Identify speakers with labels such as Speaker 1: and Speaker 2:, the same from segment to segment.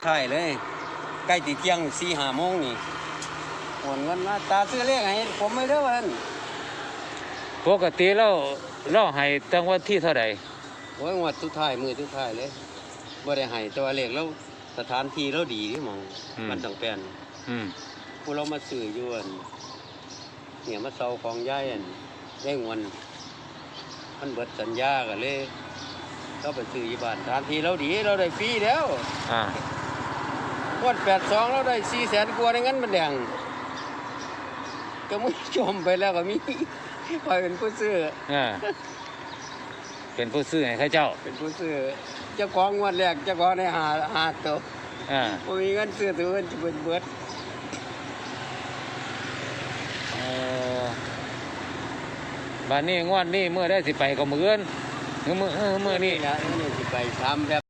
Speaker 1: ใช่เลยใกล้ตีเที่ยง4-5 โมงนี่โอนเงินมาตาซื้อเลขให้ผมไม่ได้วัน
Speaker 2: ปกติเราให้ตั้งวันที่เท่าไหร่
Speaker 1: โอ้ยงวดทุกท้ายมือทุกท้ายเลยบ่ได้ให้ตัวเลขแล้วสถานที่เราดีที่มองมันต้องแปลนผู้เรามาซื้ออยู่เนี่ยมาเซาของย่ายได้เงินมันเบิดสัญญากันเลยเราไปซื้ออยู่บ้านสถานที่เราดีเราได้ฟรีแล้วงวด82เราได้400,000 กว่าในงั้นมันแดงก็มึงชมไปแล้วก็มีคอยเป็นผู้ซื้อ
Speaker 2: เป็นผู้ซื้อให้ข้าเจ้า
Speaker 1: เป็นผู้ซื้อเจ้าของงวดแรกเจ้าของได้หาตัวบ่มีเงินซื้อตัวเงินจะเบิด
Speaker 2: บ้านนี้งวดนี้เมื่อได้สิไปก็มื้อนี้
Speaker 1: นะนี่สิไปทำแบบ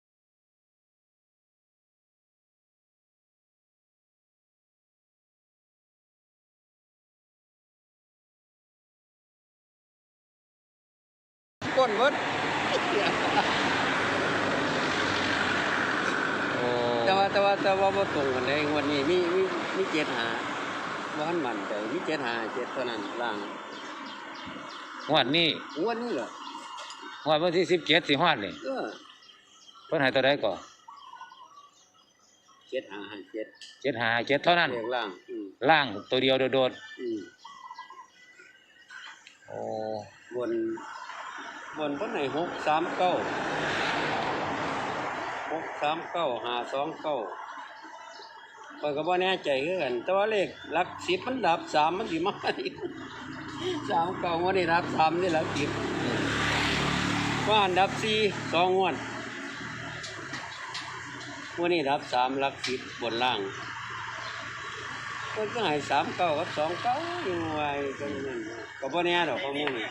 Speaker 1: ก้นเบิดแต่ว่าบ่ตรงกันได้งวดนี้มี7-5บ่ทันมั่นใจมี7-5 7เท่านั้นล่าง
Speaker 2: งวดนี้
Speaker 1: เหรอ
Speaker 2: วันที่17สิฮอดนี่เพิ่นให้ตัวใดก่อ
Speaker 1: 7-5
Speaker 2: 7เท่านั้นล่างตัวเดียวโดดโอ้
Speaker 1: บนเพิ่นให้639 529ข้อยก็บ่แน่ใจคือกันแต่ว่าเลขหลัก10มันดับ3มันสิมาอีก39วันนี้ดับ3นี่หลัก10ว่าอันดับ4 2 งวดวันนี้ดับ3หลัก10บนล่างเพิ่นก็ให้39กับ29อยู่ไว้จังนั้นก็บ่แน่ดอกข้อมูลนี่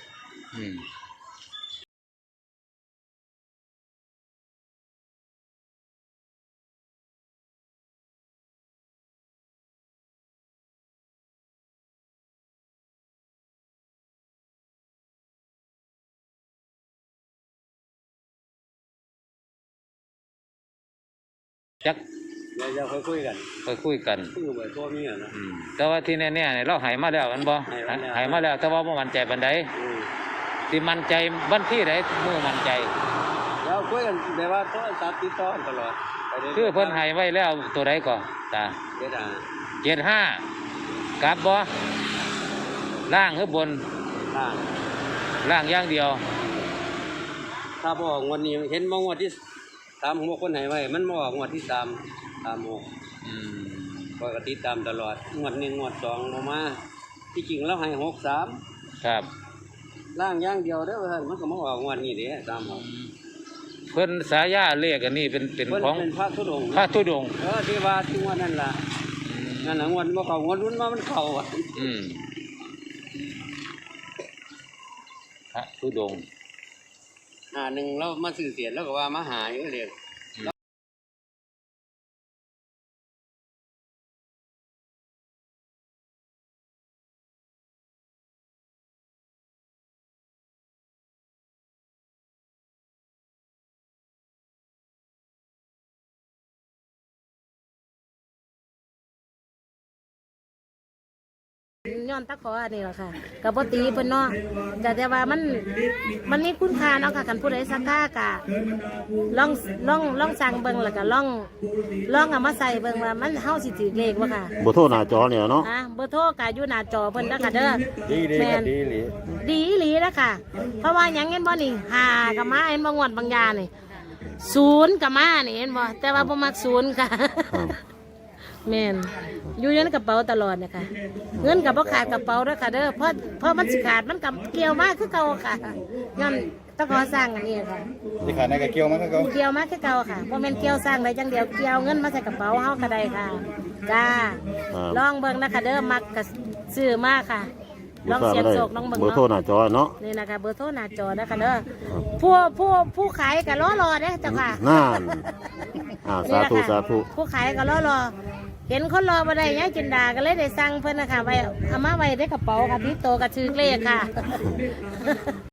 Speaker 2: จัก
Speaker 1: เราคุยกันไปทั่วมีอ่ะนะ
Speaker 2: แต่ว่าที่แน่ๆเนี่ยเราหายมาแล้วมันบ่หายมาแล้วแต่ว่าบ่มั่นใจปานใดสิมั่นใจวันที่ใดมื้อมั่นใจ
Speaker 1: เราคุยกันแต่ว่าโทรศัพท์ติดต่อตลอด
Speaker 2: คือเพิ่นให้ไว้แล้วตัวใดก่อตา75กลับบ่ล่างหรือบนล่างอย่างเดียว
Speaker 1: ถ้าบ่ออกงวดนี้เห็นบ่งวดที่36คนให้ไว้มันบ่ออกงวดที่36ก็ติดตามตลอดงวด1งวด2บ่มาที่จริงแล้วให้63
Speaker 2: ครับ
Speaker 1: ล่างอย่างเดียวเด้อเพิ่นมันก็มาออกงวดนี้เด้36
Speaker 2: เพิ่นสายาเลขอันนี้เป็นของ
Speaker 1: พระธุดงค์ที่ว่าที่งวดนั่นล่ะนั่นน่ะงวดบ่เข้างวดรุ่นมามันเข้าอ่ะ
Speaker 2: พระธุดงค์
Speaker 1: หนึ่งเรามาสื่อเสียแล้วก็ว่ามาหาอยู่เรียก
Speaker 3: ย้อนตะขออันนี้แหละค่ะกับปตีเพิ่นเนาะแต่ว่ามันมีคุณค่าเนาะค่ะกันผู้ใดสักค่ากะลองสั่งเบิ่งแล้วก็ลองเอามาใส่เบิ่งว่ามันเฮาสิถือเลขบ่ค่ะ
Speaker 4: เบอร์โทรหน้าจอเนี่ยเนาะ
Speaker 3: เบอร์โทรก็อยู่หน้าจอเพิ่นเด้อค่ะเด้อดีอีหลีนะค่ะเพราะว่าหยังเห็นบ่นี่5ก็มาเห็นบ่งวดบางยานี่0ก็มานี่เห็นบ่แต่ว่าบ่มัก0ค่ะแม่นอยู่ในกระเป๋าตลอดนะคะเงินกับพ่ขาดกระเป๋าด้วยค่ะเด้อเพราะมันสิขาดมันกับเกี่ยวมากคือเก่าค่ะงั้นต้องขอสร้างอันนี้ค่ะ
Speaker 4: สิขาดในกระเกี่ยวมากคือเก่า
Speaker 3: เกี่ยวมากคือเก่าค่ะเพราะมันเกี่ยวสร้างได้จังเดียวเกี่ยวเงินมาใส่กระเป๋าเฮาก็ได้ค่ะจ้าลองเบิ่งนะคะเด้อมักกับซื้อมากค่ะลองเสียบโศกลองเบิ่ง
Speaker 4: เบอร์โทรหน้าจอเนาะ
Speaker 3: นี่นะคะเบอร์โทรหน้าจอนะคะเด้อผู้ขายก็รอเด้อเจ้าค่ะ
Speaker 4: นั่นสาธุ
Speaker 3: ผู้ขายก็รอเห็นคนรอมาได้ยังจินดาก็เลยได้สั่งเพิ่นนะคะไว้เอามาไว้ในกระเป๋าค่ะที่โตกระชือเลขค่ะ